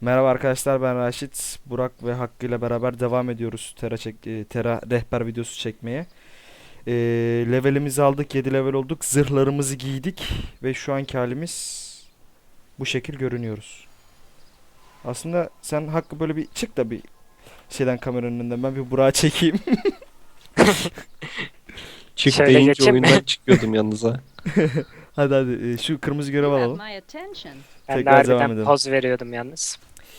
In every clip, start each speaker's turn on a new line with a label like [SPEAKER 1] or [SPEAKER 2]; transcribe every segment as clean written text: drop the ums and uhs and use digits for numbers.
[SPEAKER 1] Merhaba arkadaşlar, ben Raşit. Burak ve Hakkı ile beraber devam ediyoruz Terra rehber videosu çekmeye. Levelimizi aldık, 7 level olduk. Zırhlarımızı giydik ve şu anki halimiz bu şekil görünüyoruz. Aslında sen Hakkı böyle bir çık da bir şeyden, kameranın önünden ben bir Burak'ı çekeyim.
[SPEAKER 2] Çık
[SPEAKER 3] Şöyle
[SPEAKER 2] deyince
[SPEAKER 3] geçeyim mi?
[SPEAKER 2] oyundan çıkıyordum yalnız ha.
[SPEAKER 1] Hadi şu kırmızı görev
[SPEAKER 4] You have
[SPEAKER 1] alalım.
[SPEAKER 4] my attention.
[SPEAKER 3] Ben de
[SPEAKER 1] Tekrar devam
[SPEAKER 3] harbiden
[SPEAKER 1] edelim.
[SPEAKER 3] poz veriyordum yalnız.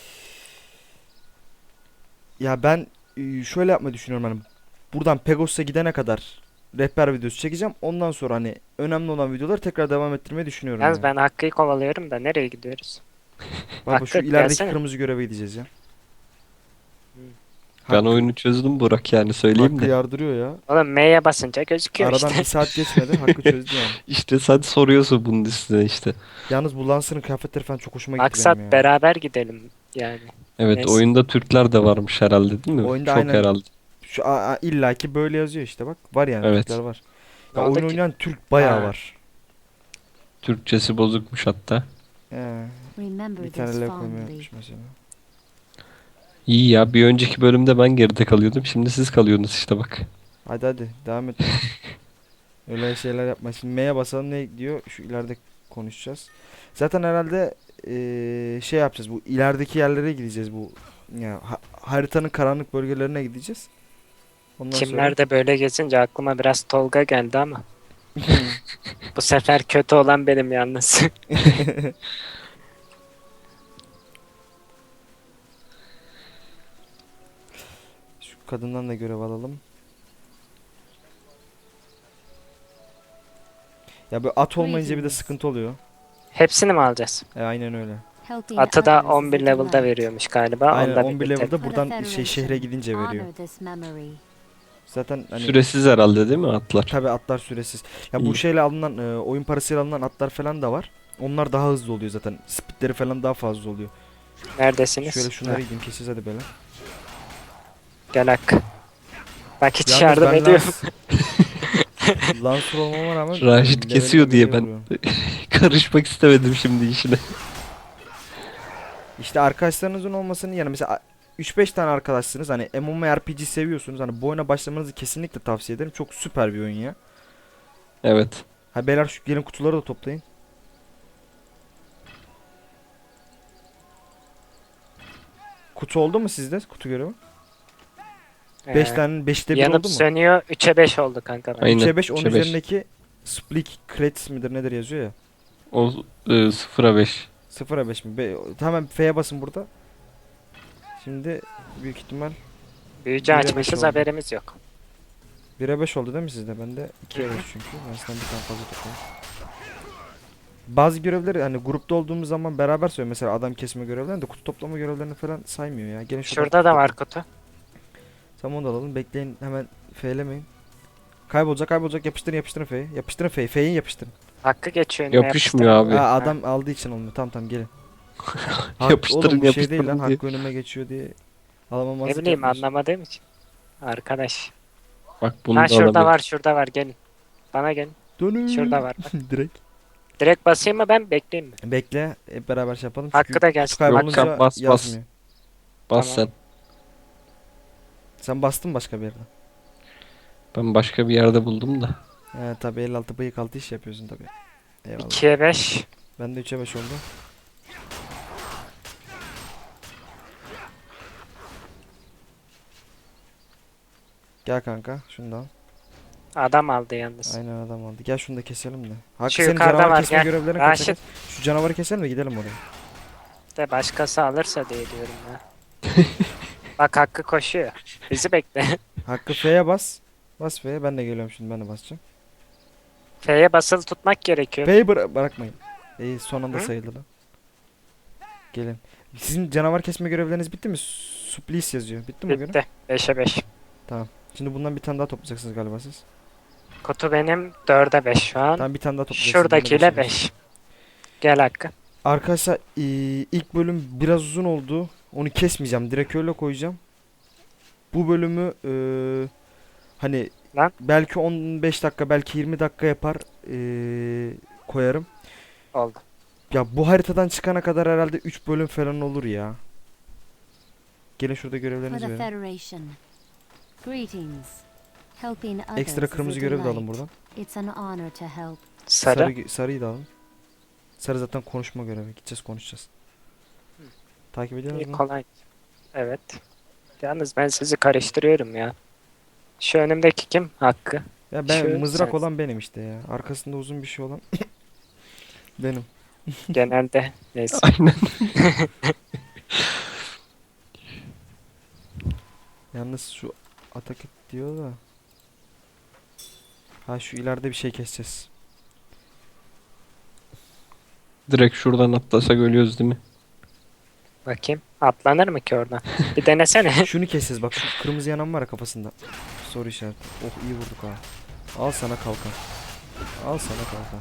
[SPEAKER 1] Ya ben şöyle yapmayı düşünüyorum, hani buradan Pegos'a gidene kadar rehber videosu çekeceğim. Ondan sonra hani önemli olan videoları tekrar devam ettirmeyi düşünüyorum
[SPEAKER 3] Yalnız
[SPEAKER 1] ya.
[SPEAKER 3] ben Hakkı'yı kovalıyorum da nereye gidiyoruz?
[SPEAKER 1] Baba şu
[SPEAKER 3] Hakkı
[SPEAKER 1] ilerideki
[SPEAKER 3] gelsene.
[SPEAKER 1] kırmızı göreve gideceğiz ya.
[SPEAKER 2] Ben
[SPEAKER 1] Hakkı,
[SPEAKER 2] oyunu çözdüm Burak, yani söyleyeyim
[SPEAKER 1] Hakkı
[SPEAKER 2] de.
[SPEAKER 1] yardırıyor ya.
[SPEAKER 3] Oğlum M'ye basınca gözüküyor
[SPEAKER 1] Aradan
[SPEAKER 3] işte.
[SPEAKER 1] bir saat geçmedi. Hakkı çözdü yani.
[SPEAKER 2] İşte sen soruyorsun bunun üstüne işte.
[SPEAKER 1] Yalnız bu Lancer'ın kıyafetleri falan çok hoşuma gitti
[SPEAKER 3] Maksat
[SPEAKER 1] benim ya.
[SPEAKER 3] beraber gidelim yani.
[SPEAKER 2] Evet,
[SPEAKER 3] Neyse.
[SPEAKER 2] oyunda Türkler de varmış herhalde, değil mi?
[SPEAKER 1] Oyunda
[SPEAKER 2] Çok
[SPEAKER 1] aynen
[SPEAKER 2] herhalde.
[SPEAKER 1] şu illaki böyle yazıyor işte, bak. Var yani, Türkler
[SPEAKER 2] Evet.
[SPEAKER 1] var.
[SPEAKER 3] Ne
[SPEAKER 1] Ya
[SPEAKER 3] oldu
[SPEAKER 1] oyun
[SPEAKER 3] ki?
[SPEAKER 1] oynayan Türk bayağı
[SPEAKER 3] Ha.
[SPEAKER 1] var.
[SPEAKER 2] Türkçesi bozukmuş hatta.
[SPEAKER 1] Bir tane L koymayı mesela.
[SPEAKER 2] İyi ya, bir önceki bölümde ben geride kalıyordum. Şimdi siz kalıyorsunuz işte bak.
[SPEAKER 1] Hadi devam et. Öyle şeyler yapma. Şimdi M'ye basalım, ne diyor? Şu ileride konuşacağız. Zaten herhalde şey yapacağız. Bu ilerideki yerlere gideceğiz bu. Ya haritanın karanlık bölgelerine gideceğiz. Ondan sonra
[SPEAKER 3] Kimler de böyle gezince aklıma biraz Tolga geldi ama. Bu sefer kötü olan benim yalnız.
[SPEAKER 1] şu kadından da görev alalım. Ya böyle at olmayınca bir de sıkıntı oluyor.
[SPEAKER 3] Hepsini mi alacağız?
[SPEAKER 1] Aynen öyle.
[SPEAKER 3] Atı da 11 level'da veriyormuş galiba.
[SPEAKER 1] Aynen
[SPEAKER 3] Onu da
[SPEAKER 1] 11
[SPEAKER 3] birlikte.
[SPEAKER 1] level'da buradan şehre gidince veriyor. Zaten hani
[SPEAKER 2] Süresiz herhalde değil mi atlar?
[SPEAKER 1] tabi atlar süresiz. Ya bu
[SPEAKER 2] İyi.
[SPEAKER 1] şeyle alınan oyun parasıyla alınan atlar falan da var. Onlar daha hızlı oluyor zaten. Speedleri falan daha fazla oluyor.
[SPEAKER 3] Neredesiniz?
[SPEAKER 1] Şöyle şunları
[SPEAKER 3] Heh,
[SPEAKER 1] gideyim, keseceğiz hadi böyle.
[SPEAKER 3] gel Hakkı. Bak hiç
[SPEAKER 1] Yalnız
[SPEAKER 3] yardım
[SPEAKER 1] ben
[SPEAKER 3] ediyor.
[SPEAKER 1] Lancer olmama rağmen
[SPEAKER 2] Raşit
[SPEAKER 1] levelim
[SPEAKER 2] kesiyor diye
[SPEAKER 1] levelim
[SPEAKER 2] ben
[SPEAKER 1] vuruyor.
[SPEAKER 2] karışmak istemedim şimdi işine.
[SPEAKER 1] İşte arkadaşlarınızın olmasının yanı, mesela 3-5 tane arkadaşsınız, hani MMORPG seviyorsunuz, hani bu oyuna başlamanızı kesinlikle tavsiye ederim. Çok süper bir oyun ya.
[SPEAKER 2] Evet.
[SPEAKER 1] Ha beyler, şu gelin kutuları da toplayın. Kutu oldu mu sizde? Kutu görevi. 5
[SPEAKER 3] Ee,
[SPEAKER 1] tane 5'te 1
[SPEAKER 3] yanıp
[SPEAKER 1] oldu mu?
[SPEAKER 3] sönüyor. 3'e 5 oldu kanka.
[SPEAKER 2] Aynen.
[SPEAKER 1] 3'e 5, onun
[SPEAKER 2] 3'e 5.
[SPEAKER 1] üzerindeki Split Credits midir nedir yazıyor ya.
[SPEAKER 2] O 0'a 5.
[SPEAKER 1] 0'a 5 mi? Hemen F'ye basın burada. Şimdi büyük ihtimal
[SPEAKER 3] Büyücü
[SPEAKER 1] 1'e 5
[SPEAKER 3] açmışız
[SPEAKER 1] oldu.
[SPEAKER 3] haberimiz yok.
[SPEAKER 1] 1'e 5 oldu değil mi sizde? Bende 2'ye 5 çünkü. Ben sizden bir tane fazla toplayayım. Bazı görevleri hani grupta olduğumuz zaman beraber söylüyor. Mesela adam kesme görevlerini de kutu toplama görevlerini falan saymıyor ya. Gelin şuradan
[SPEAKER 3] Şurada
[SPEAKER 1] kutu
[SPEAKER 3] da var
[SPEAKER 1] toplayın.
[SPEAKER 3] kutu.
[SPEAKER 1] Tamam, onu da alalım. Bekleyin, hemen F'lemeyin. Kaybolacak, yapıştırın F'yi. Yapıştırın F'yi yapıştırın.
[SPEAKER 3] Hakkı geçiyor önüme
[SPEAKER 2] Yapışmıyor
[SPEAKER 3] yapıştırın.
[SPEAKER 2] abi.
[SPEAKER 1] Ha,
[SPEAKER 3] Ha,
[SPEAKER 1] adam aldığı için olmuyor. Tamam gelin.
[SPEAKER 2] Yapıştırın,
[SPEAKER 1] Oğlum bu şey değil lan.
[SPEAKER 2] yapıştırın diye.
[SPEAKER 1] Hakkı önüme geçiyor diye
[SPEAKER 3] ne
[SPEAKER 1] alamamazlık
[SPEAKER 3] bileyim
[SPEAKER 1] yapmıyorsun.
[SPEAKER 3] anlamadığım için. Arkadaş.
[SPEAKER 2] Bak bunu
[SPEAKER 3] Ha
[SPEAKER 2] da
[SPEAKER 3] şurada
[SPEAKER 2] alamıyorum.
[SPEAKER 3] şurada var gelin. Bana gelin.
[SPEAKER 1] Dönün.
[SPEAKER 3] Şurada var bak.
[SPEAKER 1] Direkt.
[SPEAKER 3] Direkt basayım mı ben bekleyeyim mi?
[SPEAKER 1] Bekle, hep beraber şey yapalım.
[SPEAKER 3] Hakkı
[SPEAKER 1] Çünkü
[SPEAKER 3] da
[SPEAKER 1] kutu
[SPEAKER 3] gelsin.
[SPEAKER 1] kaybolunca
[SPEAKER 2] Yok, bas.
[SPEAKER 1] yazmıyor.
[SPEAKER 2] Bas
[SPEAKER 3] Tamam.
[SPEAKER 2] sen.
[SPEAKER 1] Sen bastın başka bir yerden.
[SPEAKER 2] Ben başka bir yerde buldum da.
[SPEAKER 1] He tabi, 56 bıyık altı iş yapıyorsun tabi. Eyvallah.
[SPEAKER 3] 2'ye 5.
[SPEAKER 1] Ben de 3'e 5 oldu. Gel kanka, şundan.
[SPEAKER 3] Adam aldı yalnız.
[SPEAKER 1] Aynen, adam aldı. Gel şunu da keselim de. Hakkı,
[SPEAKER 3] Şu
[SPEAKER 1] senin
[SPEAKER 3] yukarıda
[SPEAKER 1] canavar
[SPEAKER 3] var,
[SPEAKER 1] kesme
[SPEAKER 3] gel.
[SPEAKER 1] görevlerini
[SPEAKER 3] Raşit.
[SPEAKER 1] kaçacağız. Şu canavarı keselim de gidelim oraya.
[SPEAKER 3] De başkası alırsa diye diyorum ya. Bak Hakkı koşuyor. Bizi bekle.
[SPEAKER 1] Hakkı F'ye bas. Bas F'ye, ben de geliyorum şimdi, ben de basacağım.
[SPEAKER 3] F'ye basılı tutmak gerekiyor.
[SPEAKER 1] F'yi bırakmayın. Son anda
[SPEAKER 3] Hı?
[SPEAKER 1] sayıldı lan. Gelin. Sizin canavar kesme görevleriniz bitti mi? Supplice yazıyor. Bitti mi o görev?
[SPEAKER 3] Bitti. 5'e 5.
[SPEAKER 1] Tamam. Şimdi bundan bir tane daha toplayacaksınız galiba siz.
[SPEAKER 3] Kutu benim 4'e 5 şu an.
[SPEAKER 1] Tamam, bir tane daha toplayacaksınız.
[SPEAKER 3] Şuradakiyle 5. Gel Hakkı.
[SPEAKER 1] Arkadaşlar ilk bölüm biraz uzun oldu. Onu kesmeyeceğim. Direkt öyle koyacağım. Bu bölümü hani
[SPEAKER 3] Lan.
[SPEAKER 1] belki 15 dakika, belki 20 dakika yapar, koyarım.
[SPEAKER 3] Oldu.
[SPEAKER 1] Ya bu haritadan çıkana kadar herhalde 3 bölüm falan olur ya. Gelin şurada
[SPEAKER 4] For
[SPEAKER 1] görevlerinizi
[SPEAKER 4] the
[SPEAKER 1] verin.
[SPEAKER 4] Federation. Greetings. Helping others
[SPEAKER 1] Ekstra
[SPEAKER 4] is a
[SPEAKER 1] kırmızı görev de alın
[SPEAKER 4] delight.
[SPEAKER 1] buradan.
[SPEAKER 4] It's an honor to help.
[SPEAKER 3] Sarı.
[SPEAKER 1] Sarıyı da alın. Sarı zaten konuşma görevi. Gideceğiz konuşacağız. Takip ediyor
[SPEAKER 3] İyi,
[SPEAKER 1] musun?
[SPEAKER 3] kolay. Evet. Yalnız ben sizi karıştırıyorum ya. Şu önümdeki kim? Hakkı.
[SPEAKER 1] Ya ben
[SPEAKER 3] Şu
[SPEAKER 1] mızrak
[SPEAKER 3] sen.
[SPEAKER 1] olan benim işte ya. Arkasında uzun bir şey olan benim.
[SPEAKER 3] Genelde neyse.
[SPEAKER 2] Aynen.
[SPEAKER 1] Yalnız şu atak et diyor da. Ha şu ileride bir şey keseceğiz.
[SPEAKER 2] Direkt şuradan atlasak ölüyoruz değil mi?
[SPEAKER 3] Bakayım. Atlanır mı ki oradan? Bir denesene.
[SPEAKER 1] Şunu keseceğiz bak şu kırmızı yanan var ya kafasında. Soru işareti. Oh iyi vurduk ha. Al sana kalkan. Al sana kalkan.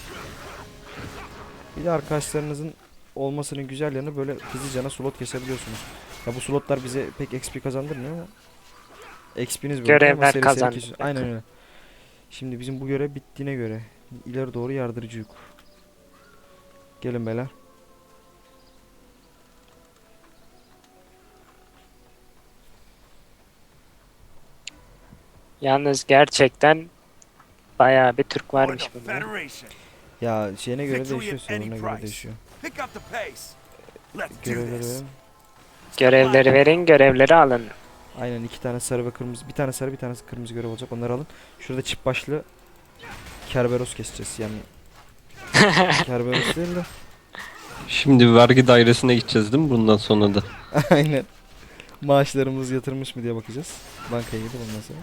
[SPEAKER 1] Bir de arkadaşlarınızın olmasının güzel yanı böyle hızlıcana slot kesebiliyorsunuz. Ya bu slotlar bize pek XP kazandırmıyor ama XP'niz böyle
[SPEAKER 3] Görevler
[SPEAKER 1] ama seri seri
[SPEAKER 3] kazandıracak.
[SPEAKER 1] kesiyorsunuz. Aynen öyle. Şimdi bizim bu görev bittiğine göre ileri doğru yardırıcıyız. Gelin beyler.
[SPEAKER 3] Yalnız gerçekten bayağı bir Türk
[SPEAKER 5] For
[SPEAKER 3] varmış
[SPEAKER 5] the
[SPEAKER 3] bunda.
[SPEAKER 5] Federation.
[SPEAKER 1] Ya şeyine göre
[SPEAKER 5] Victory
[SPEAKER 1] değişiyor,
[SPEAKER 5] at any
[SPEAKER 1] sorununa göre
[SPEAKER 5] price.
[SPEAKER 1] değişiyor.
[SPEAKER 5] Pick up the pace. Let's do
[SPEAKER 1] Görevleri
[SPEAKER 5] this.
[SPEAKER 1] verin.
[SPEAKER 3] Görevleri verin, görevleri alın.
[SPEAKER 1] Aynen iki tane sarı ve kırmızı. Bir tane sarı bir tane kırmızı görev olacak. Onları alın. Şurada çift başlı Kerberos keseceğiz yani. Kerberos değil de.
[SPEAKER 2] Şimdi vergi dairesine gideceğiz değil mi bundan sonra da?
[SPEAKER 1] Aynen. Maaşlarımız yatırmış mı diye bakacağız. Bankaya gidip ondan sonra.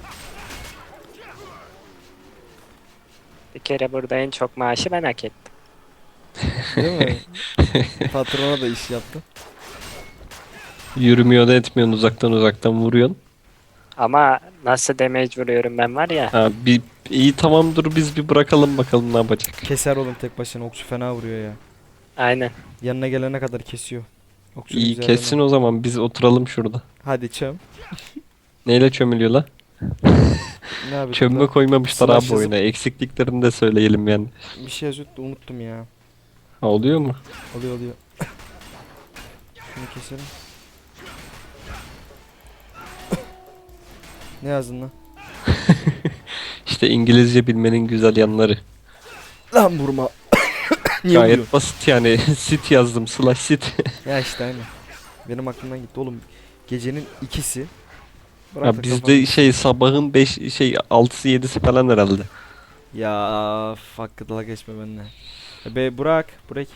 [SPEAKER 3] Bir kere burada en çok maaşı ben hak ettim.
[SPEAKER 1] Değil mi? Patrona da iş yaptı.
[SPEAKER 2] Yürümüyor da etmiyorsun, uzaktan vuruyorsun.
[SPEAKER 3] Ama nasıl damage vuruyorum ben var ya.
[SPEAKER 2] Ha, iyi tamam, dur biz bir bırakalım bakalım ne yapacak.
[SPEAKER 1] Keser oğlum tek başına. Okçu fena vuruyor ya.
[SPEAKER 3] Aynen.
[SPEAKER 1] Yanına gelene kadar kesiyor. Okçunun
[SPEAKER 2] İyi
[SPEAKER 1] üzerine.
[SPEAKER 2] kessin o zaman, biz oturalım şurada.
[SPEAKER 1] Hadi çöm.
[SPEAKER 2] Neyle çömülüyor la?
[SPEAKER 1] Ne yapıyorsun?
[SPEAKER 2] Çömme koymamışlar
[SPEAKER 1] Slash
[SPEAKER 2] abi oyuna. Eksikliklerini de söyleyelim yani.
[SPEAKER 1] Bir şey yazıyordu da unuttum ya.
[SPEAKER 2] Ha, oluyor mu?
[SPEAKER 1] Oluyor. Şunu keselim. Ne yazdın lan?
[SPEAKER 2] İşte İngilizce bilmenin güzel yanları.
[SPEAKER 1] Lan vurma. Niye vuruyorsun?
[SPEAKER 2] Gayet basit yani. Sit yazdım. Slash sit.
[SPEAKER 1] Ya işte aynen. Benim aklımdan gitti oğlum. Gecenin ikisi. Bırak da
[SPEAKER 2] Ha,
[SPEAKER 1] kafamı-
[SPEAKER 2] bizde sabahın 6'sı 7'si falan herhalde.
[SPEAKER 1] Ya hakkı dalga geçme benimle. Be Burak.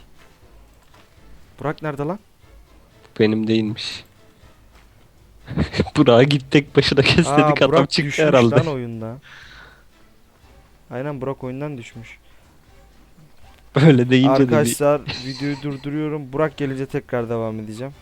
[SPEAKER 1] Burak nerede lan?
[SPEAKER 2] Benim değilmiş. Burak'a git tek başına kes dedik, adam
[SPEAKER 1] Burak
[SPEAKER 2] çıktı
[SPEAKER 1] düşmüş
[SPEAKER 2] herhalde.
[SPEAKER 1] lan oyunda. Aynen Burak oyundan düşmüş.
[SPEAKER 2] Böyle deyince de bir...
[SPEAKER 1] Arkadaşlar videoyu durduruyorum. Burak gelince tekrar devam edeceğim.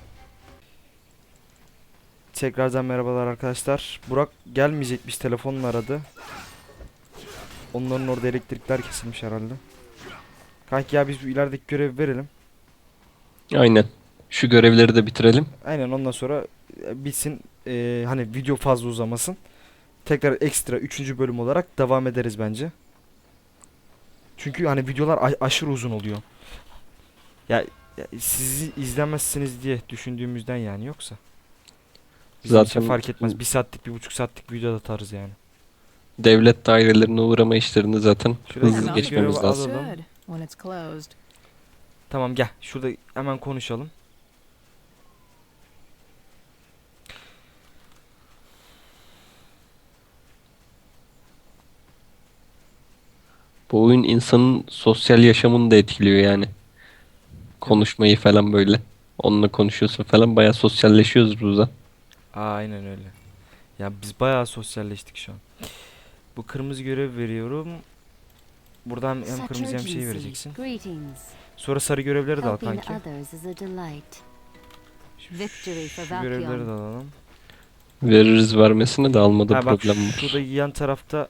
[SPEAKER 1] Tekrardan merhabalar arkadaşlar. Burak gelmeyecekmiş, telefonla aradı. Onların orada elektrikler kesilmiş herhalde. Kanki ya biz bu ilerideki görevi verelim.
[SPEAKER 2] Aynen. Şu görevleri de bitirelim.
[SPEAKER 1] Aynen ondan sonra bitsin. Hani video fazla uzamasın. Tekrar ekstra 3. bölüm olarak devam ederiz bence. Çünkü hani videolar aşırı uzun oluyor. Ya sizi izlemezsiniz diye düşündüğümüzden yani, yoksa. Bizim için
[SPEAKER 2] Zaten
[SPEAKER 1] fark etmez. 1 saatlik 1,5 saatlik video da atarız yani.
[SPEAKER 2] devlet dairelerine uğrama işlerini zaten
[SPEAKER 1] Şuraya
[SPEAKER 2] hızlı
[SPEAKER 1] hemen
[SPEAKER 2] geçmemiz
[SPEAKER 1] görevi
[SPEAKER 2] lazım.
[SPEAKER 1] alalım.
[SPEAKER 6] Should, when it's closed.
[SPEAKER 1] Tamam gel. Şurada hemen konuşalım.
[SPEAKER 2] Bu oyun insanın sosyal yaşamını da etkiliyor yani. Konuşmayı falan böyle. Onunla konuşuyorsun falan, bayağı sosyalleşiyoruz burada.
[SPEAKER 1] Aynen öyle. Ya biz bayağı sosyalleştik şu an. Bu kırmızı görev veriyorum. Buradan hem
[SPEAKER 4] Such
[SPEAKER 1] kırmızı hem şey
[SPEAKER 4] urgency.
[SPEAKER 1] vereceksin.
[SPEAKER 4] Greetings.
[SPEAKER 1] Sonra sarı görevleri de al
[SPEAKER 4] Helping
[SPEAKER 1] kanki.
[SPEAKER 4] others is a delight. Victory for
[SPEAKER 1] Şu görevleri
[SPEAKER 4] Valkion.
[SPEAKER 1] de alalım.
[SPEAKER 2] Veririz, vermesine de almada
[SPEAKER 1] Ha bak
[SPEAKER 2] problem var.
[SPEAKER 1] şurada yan tarafta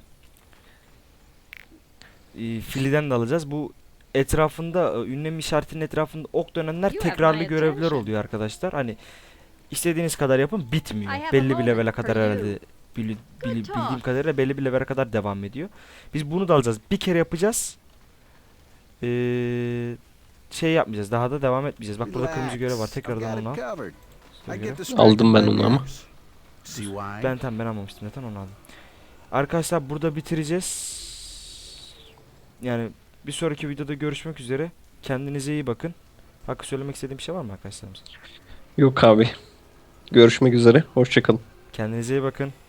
[SPEAKER 1] filiden de alacağız. Bu etrafında ünlem işaretinin etrafında ok dönenler
[SPEAKER 6] You have
[SPEAKER 1] tekrarlı
[SPEAKER 6] my
[SPEAKER 1] görevler
[SPEAKER 6] attention.
[SPEAKER 1] oluyor arkadaşlar. Hani istediğiniz kadar yapın, bitmiyor.
[SPEAKER 6] I have a
[SPEAKER 1] Belli bir
[SPEAKER 6] moment
[SPEAKER 1] levele
[SPEAKER 6] for
[SPEAKER 1] kadar
[SPEAKER 6] you.
[SPEAKER 1] herhalde
[SPEAKER 6] Good
[SPEAKER 1] bildiğim
[SPEAKER 6] talk.
[SPEAKER 1] kadarıyla belli bir levele kadar devam ediyor. Biz bunu da alacağız. Bir kere yapacağız. Şey yapmayacağız. Daha da devam etmeyeceğiz. Bak burada kırmızı görev var. Tekrardan onu al.
[SPEAKER 5] I get distracted
[SPEAKER 2] Aldım ben
[SPEAKER 5] by
[SPEAKER 2] onu ama.
[SPEAKER 5] mirrors. See why?
[SPEAKER 1] Ben almamıştım zaten, onu aldım. Arkadaşlar burada bitireceğiz. Yani bir sonraki videoda görüşmek üzere. Kendinize iyi bakın. Hakkı, söylemek istediğim bir şey var mı arkadaşlarımız?
[SPEAKER 2] Yok abi. Görüşmek üzere. Hoşça kalın.
[SPEAKER 1] Kendinize iyi bakın.